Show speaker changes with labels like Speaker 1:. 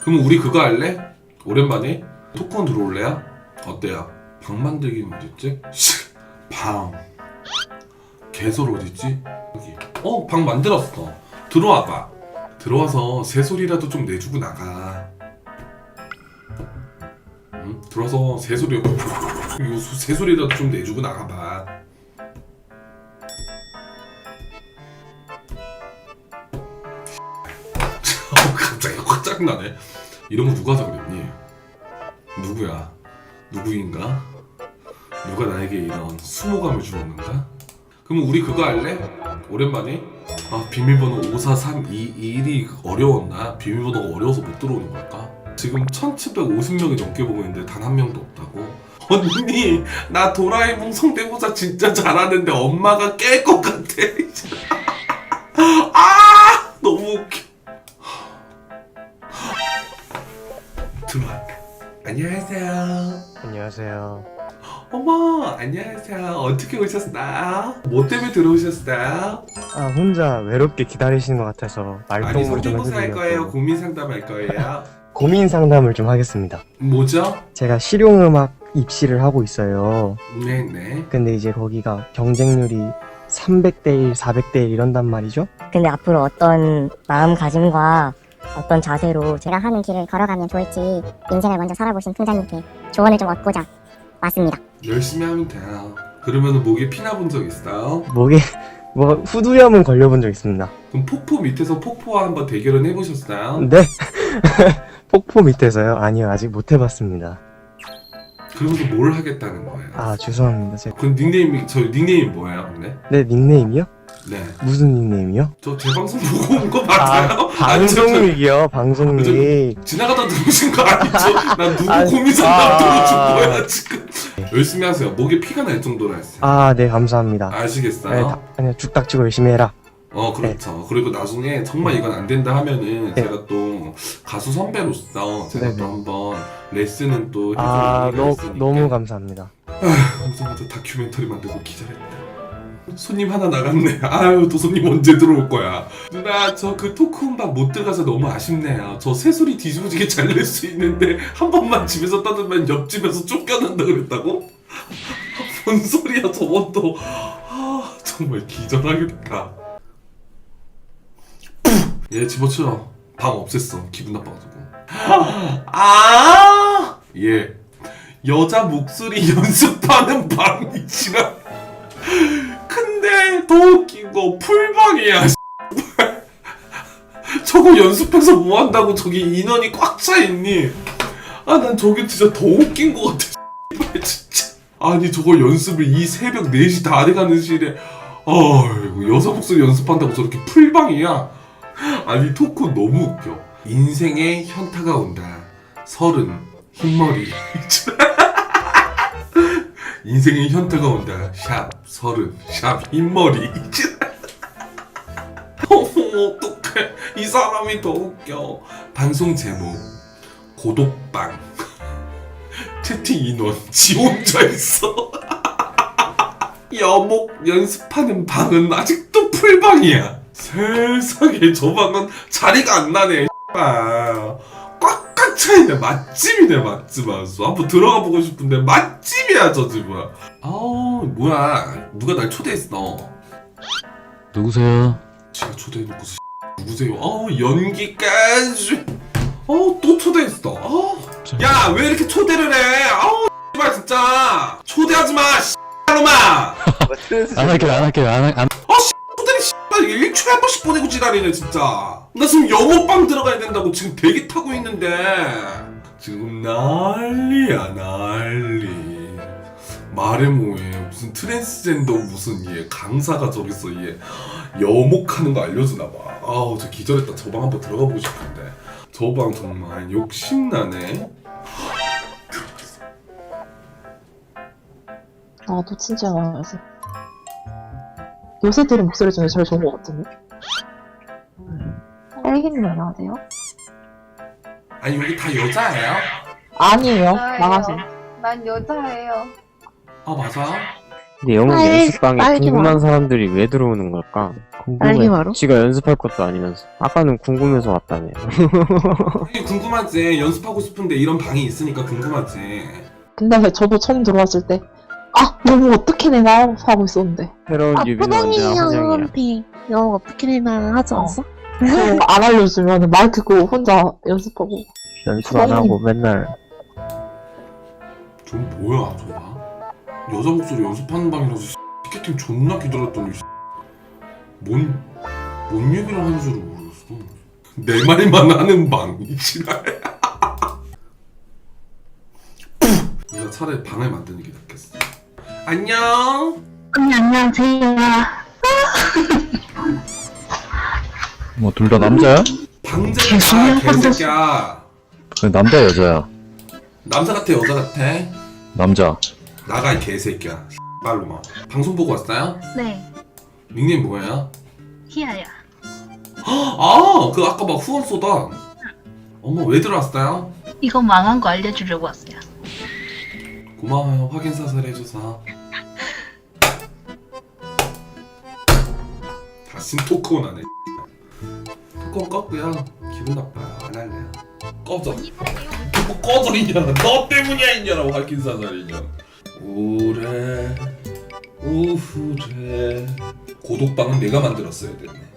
Speaker 1: 그럼 우리 그거 할래? 오랜만에 토큰 들어올래요? 어때요? 방 만들기는 어딨지? 방 개설 어딨지? 여기 방 만들었어. 들어와봐. 들어와서 새소리라도 좀 내주고 나가. 응? 들어와서 새소리 새소리라도 좀 내주고 나가봐. 갑자기 확 짜증나네. 이런 거 누가 하자 그랬니? 누구야? 누구인가? 누가 나에게 이런 수모감을 주었는가? 그럼 우리 그거 할래? 오랜만에? 비밀번호 543221이 어려웠나? 비밀번호가 어려워서 못 들어오는 걸까? 지금 1750명이 넘게 보고 있는데 단 한 명도 없다고? 언니 나 도라에몽 성대모사 진짜 잘하는데 엄마가 깰 것 같아. 너무 웃겨. 들어와. 안녕하세요.
Speaker 2: 안녕하세요.
Speaker 1: 어머 안녕하세요. 어떻게 오셨어요? 뭐 때문에 들어오셨어요?
Speaker 2: 혼자 외롭게 기다리시는 것 같아서
Speaker 1: 아니
Speaker 2: 말동무를 좀
Speaker 1: 성대모사 할 거예요?
Speaker 2: 해드리려고
Speaker 1: 고민 상담할 거예요?
Speaker 2: 고민 상담을 좀 하겠습니다.
Speaker 1: 뭐죠?
Speaker 2: 제가 실용음악 입시를 하고 있어요.
Speaker 1: 네네.
Speaker 2: 근데 이제 거기가 경쟁률이 300대 1, 400대 1 이런단 말이죠.
Speaker 3: 근데 앞으로 어떤 마음가짐과 어떤 자세로
Speaker 4: 제가 하는 길을 걸어가면 좋을지 인생을 먼저 살아보신 풍자님께 조언을 좀 얻고자 왔습니다.
Speaker 1: 열심히 하면 돼요. 그러면 목에 피나 본 적 있어요?
Speaker 2: 목에 후두염은 걸려본 적 있습니다.
Speaker 1: 그럼 폭포 밑에서 폭포와 한번 대결은 해보셨어요?
Speaker 2: 네? 폭포 밑에서요? 아니요, 아직 못 해봤습니다.
Speaker 1: 그러면서 뭘 하겠다는 거예요?
Speaker 2: 죄송합니다.
Speaker 1: 그럼 닉네임이 뭐예요 근데?
Speaker 2: 네, 닉네임이요?
Speaker 1: 네.
Speaker 2: 무슨 닉네임이요?
Speaker 1: 저 제 방송 보고 온 거 맞아요?
Speaker 2: 방송릭이요, 방송릭.
Speaker 1: 지나가다 들으신 거 아니죠? 난 누구
Speaker 2: 아니,
Speaker 1: 고민 상담 들어준 거야 지금. 열심히 하세요. 목에 피가 날 정도로 하세요.
Speaker 2: 네, 감사합니다.
Speaker 1: 아시겠어요?
Speaker 2: 네, 아니요, 죽 닥치고 열심히 해라.
Speaker 1: 그렇죠. 그리고 나중에 정말 이건 안 된다 하면은
Speaker 2: 네.
Speaker 1: 제가 또 가수 선배로서 제가
Speaker 2: 네네.
Speaker 1: 또 한번 레슨은 또 해줄 의미가 있으니까.
Speaker 2: 너무 감사합니다.
Speaker 1: 방송에서 다큐멘터리 만들고 기절했다. 손님 하나 나갔네. 아유 또 손님 언제 들어올 거야. 누나 저 그 토크 음반 못 들어가서 너무 아쉽네요. 저 새소리 뒤집어지게 잘 낼 수 있는데 한 번만 집에서 떠들면 옆집에서 쫓겨난다 그랬다고? 뭔 소리야 저건 또. 정말 기절하겠다. 얘 집어치워. 방 없앴어. 기분 나빠가지고. 얘 여자 목소리 연습하는 방이지라. 근데 더 웃긴 거 풀방이야. 저거 연습해서 뭐 한다고 저기 인원이 꽉 차 있니? 난 저게 진짜 더 웃긴 거 같아. 진짜. 아니 저거 연습을 이 새벽 4시 다 돼가는 시일에 여자 목소리 연습한다고 저렇게 풀방이야? 아니 토크 너무 웃겨. 인생에 현타가 온다. 30 흰머리. 인생에 현타가 온다. 샵 30 샵 흰머리. 어떡해. 이 사람이 더 웃겨. 방송 제목 고독방. 채팅 인원 지 혼자 있어. 여목 연습하는 방은 아직도 풀방이야. 세상에 저 방은 자리가 안 나네. 꽉꽉 차있네. 맛집이네 맛집. 아주 한번 들어가 보고 싶은데 맛집이야 저 집은. 뭐야 누가 날 초대했어.
Speaker 5: 누구세요?
Speaker 1: 지가 초대해놓고서 누구세요? 연기까지. 또 초대했어. 야 왜 이렇게 초대를 해? 씨발 진짜 초대하지 마. 씨발로마.
Speaker 5: 안 할게요.
Speaker 1: 초대를 씨발 1초에 한 번씩 보내고 지랄이네 진짜. 나 지금 영어방 들어가야 된다고 지금 대기 타고 있는데 지금 난리야 난리. 말해 뭐해. 무슨 트랜스젠더 무슨 얘 강사가 저기서 얘 여목하는 거 알려주나 봐. 저 기절했다. 저 방 한번 들어가 보고 싶은데 저 방 정말 욕심나네.
Speaker 6: 나도 진짜 많아서 요새 들은 목소리 중에 제일 좋은 것 같은데? 딸기님 안녕하세요?
Speaker 1: 아니 여기 다 여자예요?
Speaker 6: 아니에요. 나가세요.
Speaker 7: 난 여자예요.
Speaker 1: 맞아?
Speaker 2: 근데 영웅
Speaker 7: 빨리-
Speaker 2: 연습방에
Speaker 7: 빨리
Speaker 2: 궁금한
Speaker 7: 와라.
Speaker 2: 사람들이 왜 들어오는 걸까?
Speaker 7: 빨리
Speaker 2: 궁금해.
Speaker 7: 와라.
Speaker 2: 지가 연습할 것도 아니면서. 아까는 궁금해서 왔다며.
Speaker 1: 당연히 궁금하지. 연습하고 싶은데 이런 방이 있으니까 궁금하지.
Speaker 6: 근데 저도 처음 들어왔을 때, 아, 너무 어떻게 내나? 하고 있었는데.
Speaker 2: 새로운
Speaker 7: 아,
Speaker 2: 뉴비는 언제나
Speaker 7: 푸딩이
Speaker 2: 환영이야.
Speaker 7: 형한테 영어 어떻게 되나 하지 않았어?
Speaker 6: 그거 안 알려주면 마이크 끄고 혼자 연습하고.
Speaker 2: 연습 안 하고 맨날
Speaker 1: 좀 뭐야 저봐. 여자 목소리 연습하는 방이라서 티켓팅 존나 기다렸더니 뭔 얘기를 하는 줄 모르겠어. 내 말만 하는 방. 이 지랄. 내가 차라리 방을 만드는 게 낫겠어. 안녕.
Speaker 7: 언니 안녕하세요.
Speaker 5: 뭐 둘 다 남자야?
Speaker 1: 방제가 개새끼야.
Speaker 5: 남자 여자야?
Speaker 1: 남자 같아 여자 같아?
Speaker 5: 남자.
Speaker 1: 나가 이 개새끼야. 말로 막. 방송 보고 왔어요?
Speaker 7: 네,
Speaker 1: 닉네임 뭐예요?
Speaker 7: 희아야.
Speaker 1: 아, 그 아까 막 후원 쏘다. 어머, 왜 들어왔어요?
Speaker 7: 이거 망한 거 알려주려고 왔어요.
Speaker 1: 고마워요. 확인 사살 해줘서. 다시 토크온 하네. 토크온 껐고요. 기분 나빠요. 안 할래요. 꺼져. 뭐 꺼져 이년아. 너 때문이야 이년아. 확인 사살 이년. 오래 오후래 고독방은 내가 만들었어야 됐네.